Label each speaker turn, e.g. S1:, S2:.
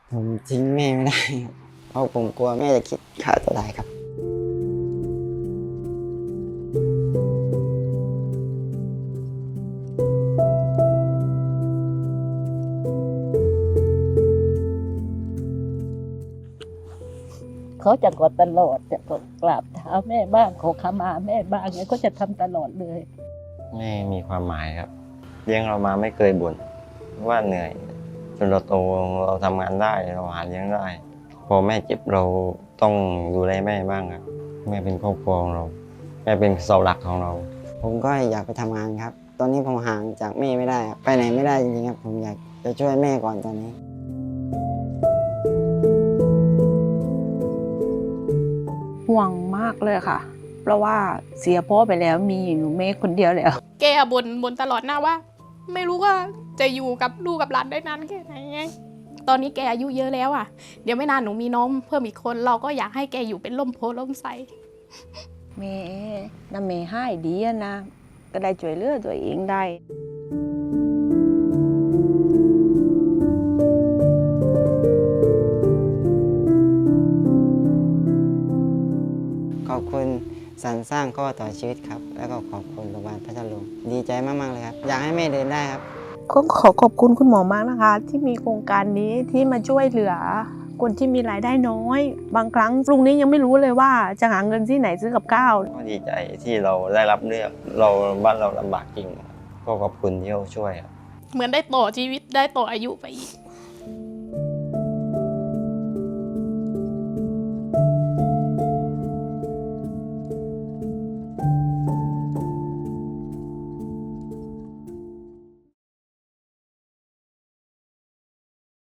S1: ผมทิ้งแม่ไม่ได้ครับเพราะผมกลัวแม่จะคิดฆ่าตัวตายครับ
S2: เขาจะกอดตลอดจะกราบเท้าแม่บ้างขอขมาแม่บ้างเนี่ยก็จะทำตลอดเลย
S3: แม่มีความหมายครับเลี้ยงเรามาไม่เคยบ่นว่าเหนื่อยจนเราโตเราทำงานได้เราหาเลี้ยงได้พอแม่เจ็บเราต้องดูแลแม่บ้างครับแม่เป็นครอบครัวของเราแม่เป็นเสาหลักของเรา
S1: ผมก็อยากไปทำงานครับ ตอนนี้ผมห่างจากแม่ไม่ได้ครับไปไหนไม่ได้จริงๆครับผมอยากจะช่วยแม่ก่อนตอนนี้
S4: ห่วงมากเลยค่ะ เพราะว่าเสียพ่อไปแล้วมีหนูเมฆคนเดียวแล้ว
S5: แกบ่นตลอดหน้าว่า ไม่รู้ว่าจะอยู่กับลูกกับหลานได้นานแค่ไหนไงตอนนี้แกอายุเยอะแล้วอ่ะเดี๋ยวไม่นานหนูมีน้องเพิ่มอีกคนเราก็อยากให้แกอยู่เป็นร่มโพล่มไทร
S4: เมน้ำเมให้ดีอะนะ ก็ได้ช่วยเหลือตัวเองได้
S1: ขอบคุณสรรสร้างข้อต่อชีวิตครับ แล้วก็ขอบคุณโรงพยาบาลพัทลุงดีใจมากๆเลยครับ อยากให้แม่เดินได้ครับ
S4: ก็ขอขอบคุณคุณหมอมากนะคะ ที่มีโครงการนี้ที่มาช่วยเหลือคนที่มีรายได้น้อย บางครั้งลุงนี้ยังไม่รู้เลยว่าจะหาเงินที่ไหนซื้อกับข้าว
S3: ก็ดีใจที่เราได้รับเลือกเราบ้านเราลำบากจริงก็ขอบคุณที่เขาช่วยครับ
S5: เหมือนได้ต่อชีวิตได้ต่ออายุไปอีก